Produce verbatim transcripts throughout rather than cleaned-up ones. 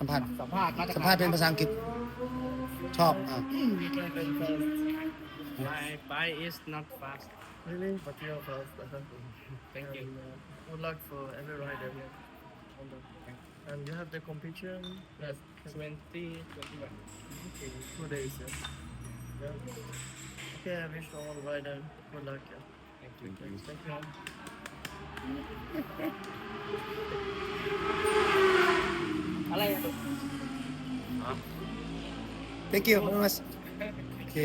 สัมภาษณ์สัมภาษณ์สัมภาษณ์เป็นภาษาอังกฤษชอบอ่ะ My bike is not fast. Really? But you're fast. Thank you. And, uh, good luck for every rider. And you have the competition? Yes, twenty, twenty-one. Okay, two days. Yeah. yeah. Okay, I wish all rider good luck. Yeah. Thank you. Thank you. อะไรอ่ะ thank you very much โอเค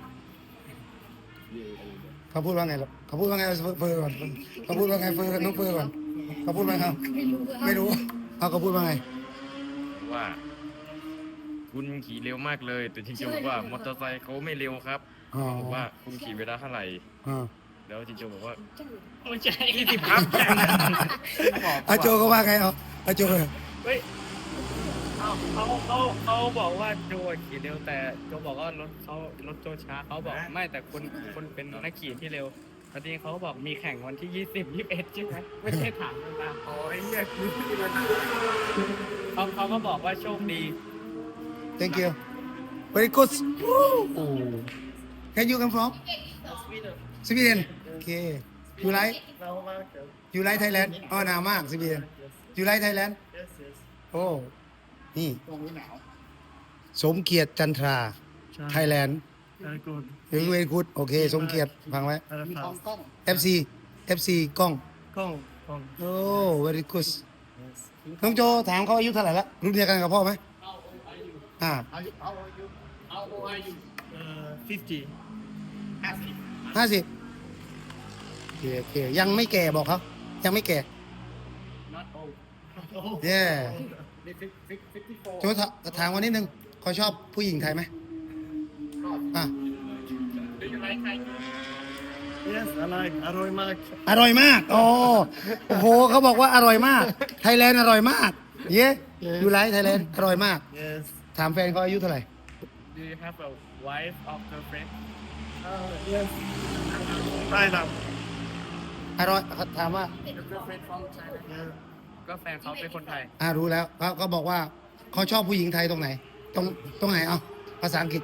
เขาพูดว่าไงหรอเขาพูดว่าไงเฟอร์ก่อนเขาพูดว่าไงเฟอร์น้องเฟอร์ก่อนเขาพูดว่าไงไม่รู้เอาเขาพูดว่าไงว่าคุณขี่เร็วมากเลย แต่จริงๆบอกว่ามอเตอร์ไซค์เขาไม่เร็วครับอ๋อบอกว่าคุณขี่เวลาเท่าไหร่อ่าแล้วจริงๆบอกว่าไม่ใช่ยี่สิบครับอาโจก็ว่าไงเอาอาโจเฮ้ยเขาเขาเขาเขาบอกว่าโจขี่เร็วแต่โจบอกว่ารถเขารถโจช้าเขาบอกไม่แต่คนคนเป็นนักขี่ที่เร็วตอนนี้เขาบอกมีแข่งวันที่ยี่สิบยี่สิบเอ็ดใช่ไหมไม่ใช่ถามกันมาอ๋อไอ้เนี่ยคือที่มันเขาเขาก็บอกว่าโชคดี thank you very good oh can you come from Sweden okay you like เรามากครับ you like Thailand อ๋อหนาวมาก Sweden you like Thailand yes yes โอ้นี่ตรงนี้หนาวสมเกียรติจันทรา ไทยแลนด์ very good เวรีกูดโอเค สมเกียรติฟังไว้ very fast กล้องเอฟ ซี เอฟ ซี กล้องกล้องกล้องโอ้ very good yes น้องโจถามเขาอายุเท่าไหร่ละรุ่นเดียวกันกับพ่อไหมเอาอายุอ่าเอาเอาอายุเอาอายุเอ่อfifty ห้าสิบห้าสิบโอเคโอเคยังไม่แก่บอกเขายังไม่แก่ not old เย่ fifty-four โจถาถามวันนิดนึงเขาชอบผู้หญิงไทยไหมอ่ะ Do you like Thai yes I like อร่อยมากอร่อยมากโอ้โอ้โหเขาบอกว่าอร่อยมาก ไทยแลนด์อร่อยมาก เย้ยูไลท์ไทยแลนด์อร่อยมาก yes ถามแฟนเขาอายุเท่าไหร่ Do you have a wife or girlfriend uh, yes ได้ครับอร่อยเขาถามว่า girlfriend from China yeah ก็แฟนเขาเป็นคนไทยอ่ารู้แล้วเขาเขาบอกว่าเขาชอบผู้หญิงไทยตรงไหน ตรงตรงไหนเอาภาษาอังกฤษ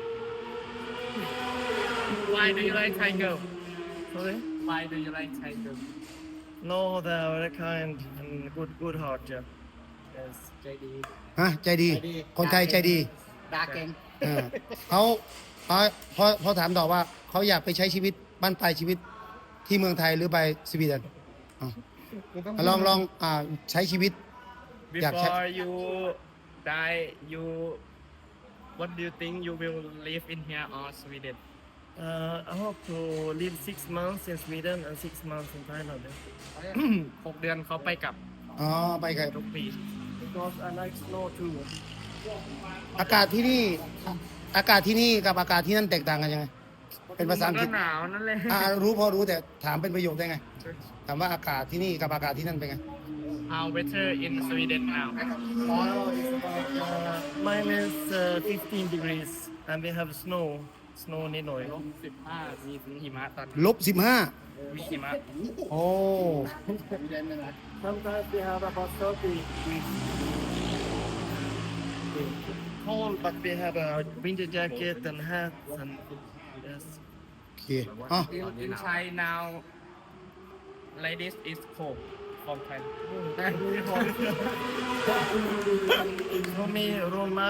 Why do you like Thai girl sorry Why do you like Thai girl no they are very kind and good good heart yeah yes ใจดีฮะใจดี คนไทยใจดีดาเก่งเออเขาเขาพอพอถามต่อว่าเขาอยากไปใช้ชีวิตบ้านปลายชีวิตที่เมืองไทยหรือไปสวีเดนอ่ะลองลองอ่าใช้ชีวิต อยากใช้ Before you die you What do you think you will live in here or Sweden uh, I hope to live six months in Sweden and six months in Thailand yeah. หกเดือนเขาไปกลับอ๋อไปกับทุกปี because I like snow too อากาศที่นี่อากาศที่นี่กับอากาศที่นั่นแตกต่างกันยังไงเป็นภาษาอังกฤษมันก็หนาวนั่นแหละอ่ารู้พอรู้แต่ถามเป็นประโยคได้ไงถามว่าอากาศที่นี่กับอากาศที่นั่นเป็นไง How weather in Sweden now uh, minus uh, fifteen degrees and we have snow snow นิดหน่อยลบสิบห้ามีหิมะตอนลบสิบห้ามีหิมะโอ้ sometimes we have about thirty degrees cold but we have a winter jacket and hat and yes โอเคอ๋อ In in Thai now like this is cold from Thai เขามีร่มมาก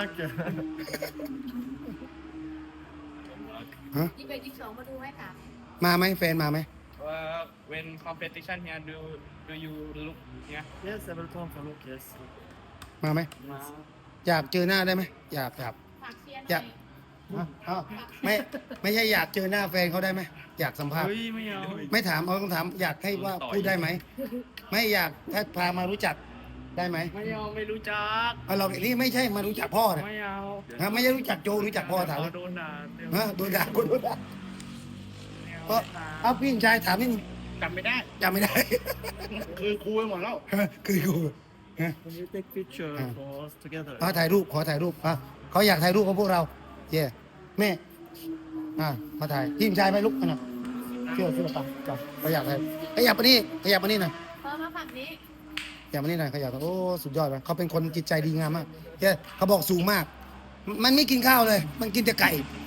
ฮะยี่สิบเอ็ดยี่สิบสองมาดูไหมคะมาไหมแฟนมาไหม uh, when competition here do do you look here yes I will come for look yes มาไหมมาอยากเจอหน้าได้ไหมอยากอยากฝากเชียร์หอยาน่กอยอ่ะอ้าวไม่ไม่ใช่อยากเจอหน้าแฟนเขาได้ไหมอยากสัมภาษณ์เฮ้ยไม่เอาไม่ถามเอาต้องถามอยากให้ว่าพูดได้ไหมไม่อยากถ้าพามารู้จักได้ไหมไม่เอาไม่รู้จักเอาเรานี่ไม่ใช่มารู้จักพ่อนะไม่เอาฮะไม่ใช่รู้จักโจรู้จักพ่อถามเดี๋ยวโดนด่าเดี๋ยวฮะโดนด่าคนโดนด่าไม่เอาก็ไม่เอาพี่ชายถามนิดนึงจำไม่ได้จำไม่ได้คือครูไปหมดแล้วคือกูฮะ Can you take picture for us together ขอถ่ายรูปขอถ่ายรูปอ่ะเขาอยากถ่ายรูปกับพวกเราเย่แม่อ่ะมาถ่ายทีมชายไปลุกกันหน่อยเชื่อเชื่อปังจับเขาอยากถ่ายขยับมานี่ขยับมานี่หน่อยพอมาฝั่งนี้ฟอย่ามานี่หน่อยขยับโอ้สุดยอดเลยเขาเป็นคนจิตใจดีงามมากเฮ้ยเขาบอกสูงมาก มันไม่กินข้าวเลย มันกินแต่ไก่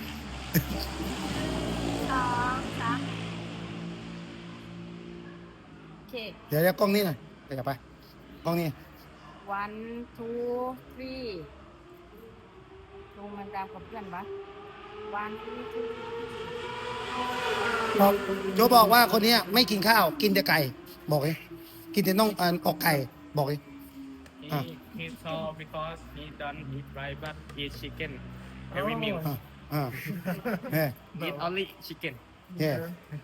สองสามโอเคเดี๋ยวเดี๋ยวกล้องนี้หน่อยขยับไปกล้องนี้ one two three ลงมันตามกับเพื่อนปะ one two three บอกโจบอกว่าคนเนี้ยไม่กินข้าว กินแต่ไก่ บอกเลยกินแต่น่องอันออกไก่ บอกเลย he Ah. he saw because he don't eat rice but eat chicken every meal อ่าอ่าเฮ้ย eat only chicken เฮ้ย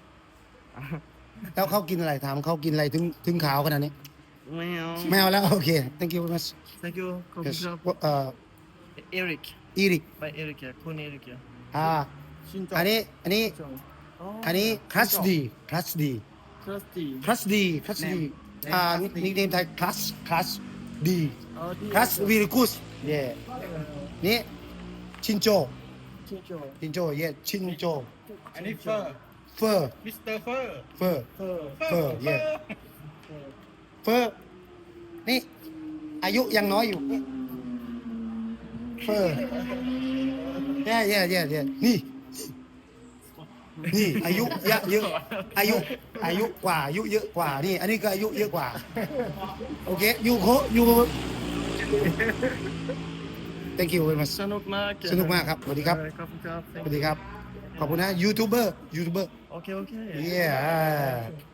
แล้วเขากินอะไรถามเขากินอะไรถึงถึงขาวขนาดนี้ไม่เอาไม่เอาแล้วโอเค thank you very much thank you ขอบคุณ yes ครับเอ่อ Eric อีริกไป Eric อะคุณ Eric อะอ่าอันนี้อันนี้อันนี้คลัสดีคลัสดี Trusty คลัสดีคลัสดีอ่านิกเนมไทยคลัสคลัสดีอ๋อดีคลัสวีริกุสเย่นี่ชินโจชิโจชินโจเย่ชินโจอันนี้เฟอร์เฟอร์มิสเตอร์เฟอร์เฟอร์เออเฟอร์เย่เฟอร์นี่อายุยังน้อยอยู่เฟอร์เย่เย่เย่เย่นี่นี่อายุเยอะเยอะอายุอายุกว่าอายุเยอะกว่านี่อันนี้ก็อายุเยอะกว่าโอเคยูโคยู thank you very much สนุกมากสนุกมากครับสวัสดีครับเออขอบคุณครับสวัสดีครับ ขอบคุณนะยูทูบเบอร์ยูทูบเบอร์โอเคโอเค yeah